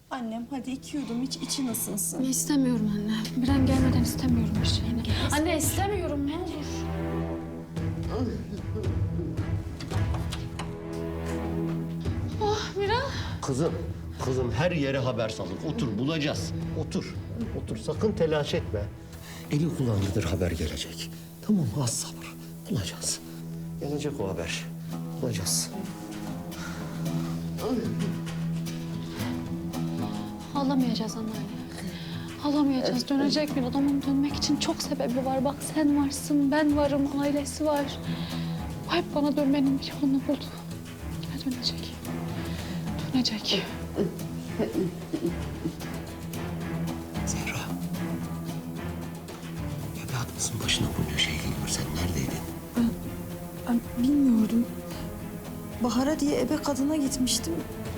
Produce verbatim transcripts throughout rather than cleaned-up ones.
Annem hadi iki yudum iç, için ısınsın. İstemiyorum anne. Bir an gelmeden istemiyorum bir şeyini. Anne istemiyorum, ne olur. Oh Miran. Kızım, kızım her yere haber salın. Otur, bulacağız. Otur, otur. Sakın telaş etme. Eli kulağındadır haber gelecek. Tamam mı? Az sabır. Bulacağız. Gelecek o haber. Bulacağız. Ağlamayacağız anneanne. Ağlamayacağız. Dönecek bir adamın dönmek için çok sebebi var. Bak sen varsın, ben varım, ailesi var. O hep bana dönmenin bir yolunu buldu. Yine dönecek. Dönecek. Zehra. Evladımızın başına bunca şey geliyor. Sen neredeydin? Ben, ben bilmiyordum. Bahar'a diye ebe kadına gitmiştim.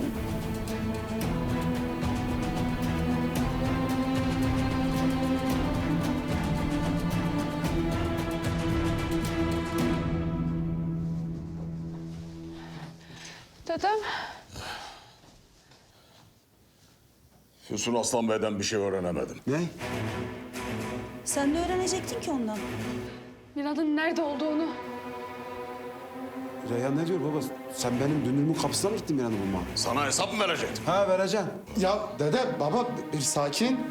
Dedem. Füsun Aslan Bey'den bir şey öğrenemedim. Ne? Sen de öğrenecektin ki ondan. Miran'ın nerede olduğunu. Reyhan ne diyor baba? Sen benim dünürümün kapısına mı gittin bir anda bulma? Sana hesap mı verecektim? Ha vereceğim. Ya dede, baba bir sakin.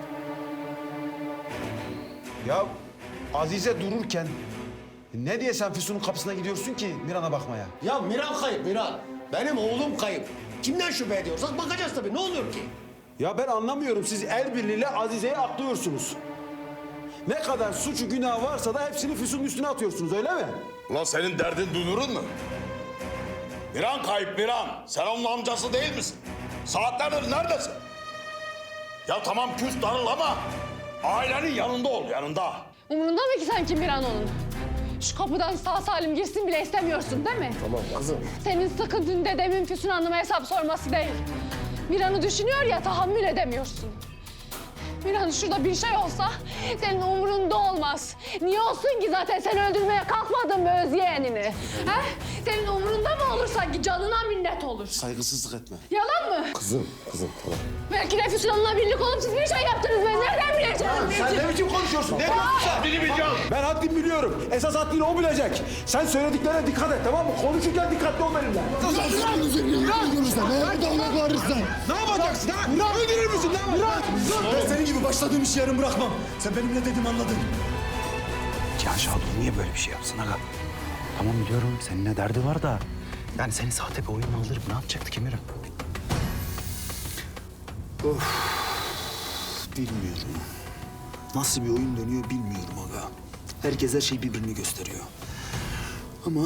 Ya Azize dururken ne diye sen Füsun'un kapısına gidiyorsun ki Miran'a bakmaya? Ya Miran kayıp, Miran. Benim oğlum kayıp. Kimden şüphe ediyorsak bakacağız tabii. Ne oluyor ki? Ya ben anlamıyorum. Siz el birliğiyle Azize'yi aklıyorsunuz. Ne kadar suçu günah varsa da hepsini Füsun'un üstüne atıyorsunuz öyle mi? Ulan senin derdin dünürün mü? Miran kayıp Miran. Sen onun amcası değil misin? Saatlerdir neredesin? Ya tamam küs darıl ama ailenin yanında ol, yanında. Umurunda mı ki sanki Miran onun? Şu kapıdan sağ salim girsin bile istemiyorsun değil mi? Tamam kızım. Senin sıkıntın dedemin Füsun Hanım'a hesap sorması değil. Miran'ı düşünüyor ya tahammül edemiyorsun. Miran şurada bir şey olsa senin umurunda olmaz. Niye olsun ki zaten sen öldürmeye kalkmadın mı öz yeğenini? He? Senin umurunda mı olur sanki canına minnet olur? Saygısızlık etme. Yalan mı? Kızım, kızım tamam. Belki de Füsun Hanım'la birlik olup siz bir şey yaptınız ben nereden bileceğim? Sen ne biçim konuşuyorsun? Ne diyorsun sen? Haddini bileceğim. Ben haddimi biliyorum. Esas haddini o bilecek. Sen söylediklerine dikkat et tamam mı? Konuşurken dikkatli ol benimle. Ne yapacaksın ha? Öldürür müsün? Ne yapacaksın? Ben senin gibi başladığım işi yarım bırakmam. Sen benim ne dediğimi anladın. Cihan Şadoğlu niye böyle bir şey yapsın aga? Tamam biliyorum seninle derdi var da... Yani seni sahte bir oyunla aldırıp ne yapacaktı Emir'im? Bilmiyorum. Nasıl bir oyun dönüyor bilmiyorum aga. Herkes her şey birbirini gösteriyor. Ama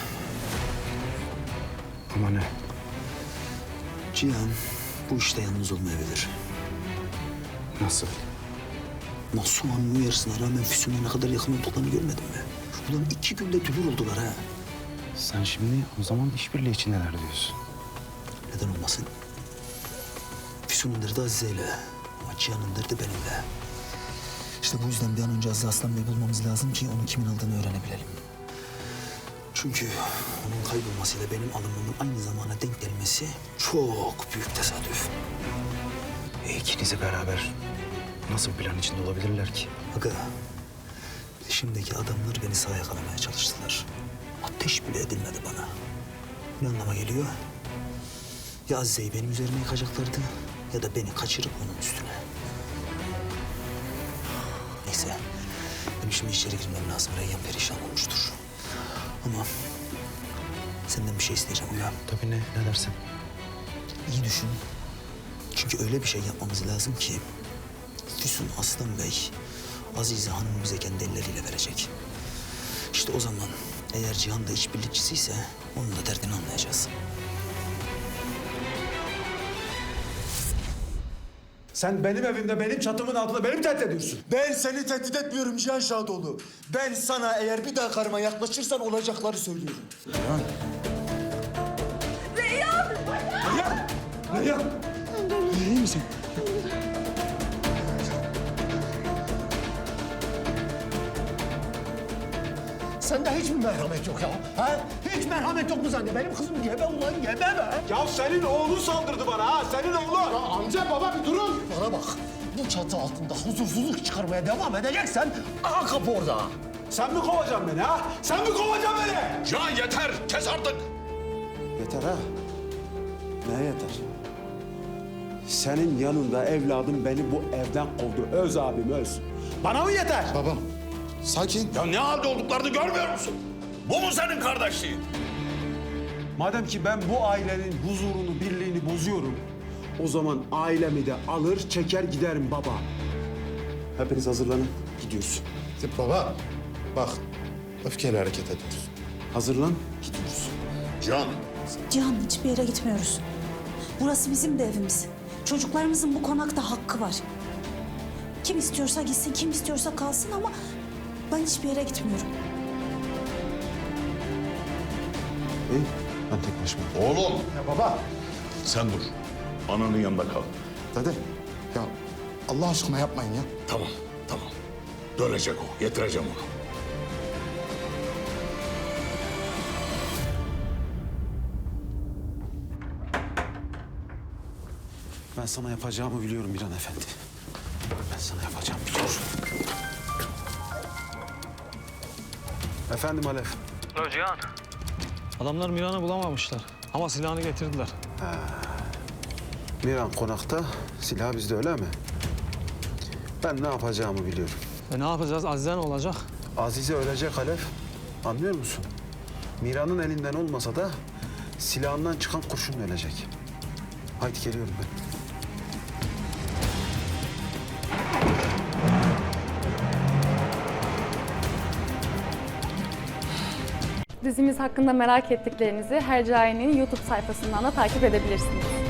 Ama ne? Cihan bu işte yalnız olmayabilir. Nasıl? Nasuhan'ın uyarısına rağmen Füsun'a ne kadar yakın olduklarını görmedin mi? Ulan iki günde dülür oldular ha. Sen şimdi o zaman işbirliği içindeler diyorsun. Neden olmasın? Füsun'un derdi Azize'yle ama Cihan'ın derdi benimle. İşte bu yüzden bir an önce Azize Aslan Bey'i bulmamız lazım ki onu kimin aldığını öğrenebilelim. Çünkü onun kaybolmasıyla benim alımımın aynı zamana denk gelmesi çok büyük tesadüf. E ikinizi beraber nasıl bir plan içinde olabilirler ki? Aga, şimdiki adamlar beni sağa yakalamaya çalıştılar. Ateş bile edilmedi bana. Ne anlama geliyor? Ya Azize'yi benim üzerime yıkacaklardı ya da beni kaçırıp onun üstüne. Neyse, benim şimdi içeri girmem lazım. Reyhan perişan olmuştur. Ama senden bir şey isteyeceğim ya. Tabii ne, ne dersin? İyi düşün. Çünkü öyle bir şey yapmamız lazım ki... Füsun Aslan Bey, Azize Hanım'ı bize kendi elleriyle verecek. İşte o zaman eğer Cihan da işbirlikçisiyse onun da derdini anlayacağız. Sen benim evimde, benim çatımın altında beni mi tehdit ediyorsun? Ben seni tehdit etmiyorum Cihan Şadoğlu. Ben sana eğer bir daha karıma yaklaşırsan olacakları söylüyorum. Reyhan! Reyhan! İyi misin? sende hiç mi merhamet yok ya? Ha? Hiç merhamet yok mu sende? Benim kızım gebe ulan gebe be. Ya senin oğlun saldırdı bana ha, senin oğlun. Ya amca baba bir durun. Bana bak. Bu çatı altında huzursuzluk çıkarmaya devam edeceksen aha kapı orada. Sen mi kovacaksın beni ha? Sen mi kovacaksın beni? Cihan yeter, kes artık. Yeter ha. Ne yeter? Senin yanında evladım beni bu evden kovdu. Öz abim öz. Bana mı yeter? Babam sakin. Ya ne halde olduklarını görmüyor musun? Bu mu senin kardeşliğin? Madem ki ben bu ailenin huzurunu, birliğini bozuyorum, o zaman ailemi de alır, çeker giderim baba. Hepiniz hazırlanın, gidiyoruz. Baba bak öfkeyle hareket ediyoruz. Hazırlan, gidiyoruz. Cihan, Cihan, hiçbir yere gitmiyoruz. Burası bizim de evimiz. Çocuklarımızın bu konakta hakkı var. Kim istiyorsa gitsin, kim istiyorsa kalsın ama ben hiçbir yere gitmiyorum. İyi, ben tek başıma. oğlum Ya baba. sen dur. Ananın yanında kal. Dede ya Allah aşkına yapmayın ya. Tamam, tamam. Dönecek o, getireceğim onu. Ben sana yapacağımı biliyorum Miran Efendi. Ben sana yapacağımı biliyorum. Efendim Alev. Cihan. Adamlar Miran'ı bulamamışlar ama silahını getirdiler. Miran konakta, silah bizde öyle mi? Ben ne yapacağımı biliyorum. E ne yapacağız? Azize ne olacak? Azize ölecek Alev. Anlıyor musun? Miran'ın elinden olmasa da silahından çıkan kurşun ölecek. Haydi geliyorum ben. Dizimiz hakkında merak ettiklerinizi Hercai'nin YouTube sayfasından da takip edebilirsiniz.